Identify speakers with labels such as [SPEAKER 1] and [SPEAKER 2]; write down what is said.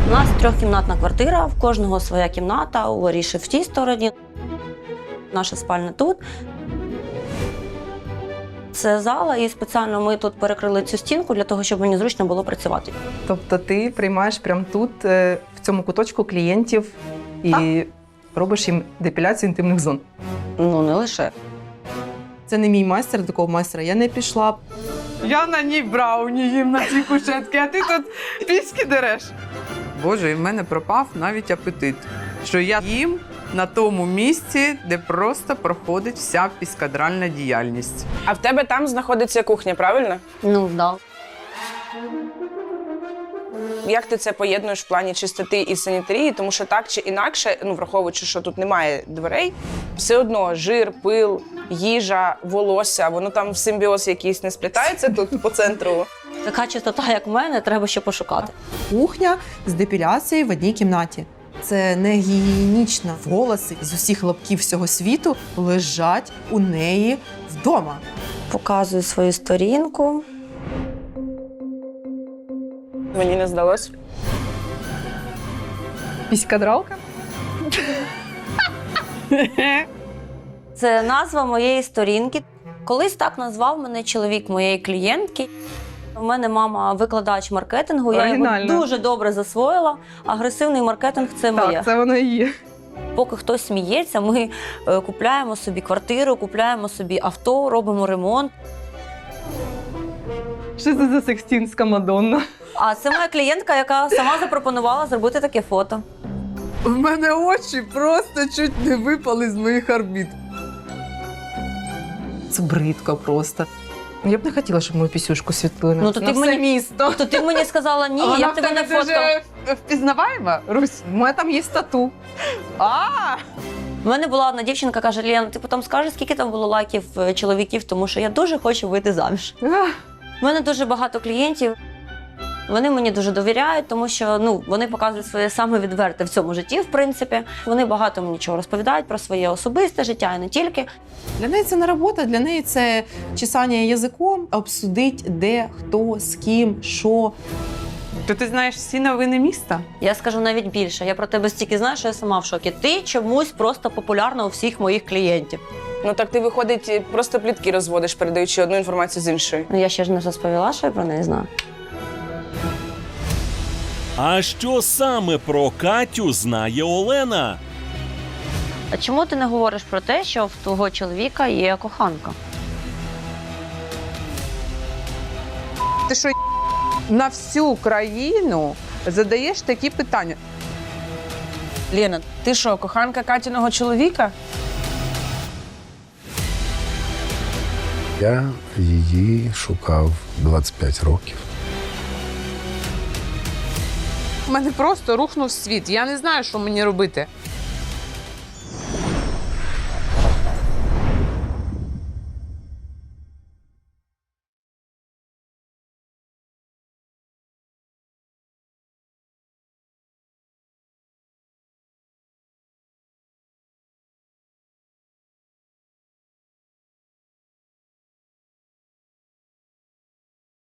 [SPEAKER 1] У нас трьохкімнатна квартира, в кожного своя кімната, у Аріші в тій стороні, наша спальня тут. Це зала, і спеціально ми тут перекрили цю стінку для того, щоб мені зручно було працювати.
[SPEAKER 2] Тобто ти приймаєш прямо тут, в цьому куточку клієнтів і робиш їм депіляцію інтимних зон?
[SPEAKER 1] Ну, не лише.
[SPEAKER 2] Це не мій майстер, до такого майстра я не пішла.
[SPEAKER 3] Я на ній брауні їм на цій кушетці, а ти тут піськи дереш. Боже, і в мене пропав навіть апетит. Що я їм на тому місці, де просто проходить вся піскадральна діяльність.
[SPEAKER 4] А в тебе там знаходиться кухня, правильно?
[SPEAKER 1] Ну, да.
[SPEAKER 4] Як ти це поєднуєш в плані чистоти і санітарії? Тому що так чи інакше, ну враховуючи, що тут немає дверей, все одно жир, пил, їжа, волосся, воно там в симбіоз якийсь не сплітається тут по центру.
[SPEAKER 1] Така чистота, як в мене, треба ще пошукати.
[SPEAKER 2] Кухня з депіляцією в одній кімнаті. Це не гігієнічно. Волоси з усіх лапків всього світу лежать у неї вдома.
[SPEAKER 1] Показую свою сторінку.
[SPEAKER 4] Мені не здалось.
[SPEAKER 2] Піськадралка?
[SPEAKER 1] Це назва моєї сторінки. Колись так назвав мене чоловік моєї клієнтки. У мене мама викладач маркетингу, я його
[SPEAKER 2] Оригінально.
[SPEAKER 1] дуже добре засвоїла. Агресивний маркетинг – це моє.
[SPEAKER 2] Так, це воно і є.
[SPEAKER 1] Поки хтось сміється, ми купляємо собі квартиру, купляємо собі авто, робимо ремонт.
[SPEAKER 2] Що це за секстінська Мадонна?
[SPEAKER 1] А це моя клієнтка, яка сама запропонувала зробити таке фото.
[SPEAKER 3] У мене очі просто чуть не випали з моїх орбіт.
[SPEAKER 2] Це бридко просто. Я б не хотіла, щоб мою пісюшку світлили
[SPEAKER 1] Ну, то
[SPEAKER 2] на
[SPEAKER 1] ти
[SPEAKER 2] все
[SPEAKER 1] мені-
[SPEAKER 2] місто.
[SPEAKER 1] То ти мені сказала ні, я б тебе не фоткала.
[SPEAKER 3] впізнаваєма, Русь?
[SPEAKER 2] У мене там є тату.
[SPEAKER 1] У мене була одна дівчинка, каже: Лєна, ти потім скажеш, скільки там було лайків чоловіків, тому що я дуже хочу вийти заміж. У мене дуже багато клієнтів. Вони мені дуже довіряють, тому що вони показують своє саме відверте в цьому житті, в принципі. Вони багато мені чого розповідають про своє особисте життя і не тільки.
[SPEAKER 2] Для неї це не робота, для неї це чесання язиком, обсудить, де, хто, з ким, що.
[SPEAKER 3] То ти знаєш всі новини міста?
[SPEAKER 1] Я скажу навіть більше. Я про тебе стільки знаю, що я сама в шокі. Ти чомусь просто популярна у всіх моїх клієнтів.
[SPEAKER 4] Ну так ти, виходить, просто плітки розводиш, передаючи одну інформацію з іншої.
[SPEAKER 1] Ну, я ще ж не розповіла, що я про неї знаю.
[SPEAKER 5] А що саме про Катю знає Олена?
[SPEAKER 1] А чому ти не говориш про те, що в твого чоловіка є коханка?
[SPEAKER 3] Ти що, на всю країну задаєш такі питання?
[SPEAKER 4] Лена, ти що, коханка Катіного чоловіка?
[SPEAKER 6] Я її шукав 25 років.
[SPEAKER 3] У мене просто рухнув світ. Я не знаю, що мені робити.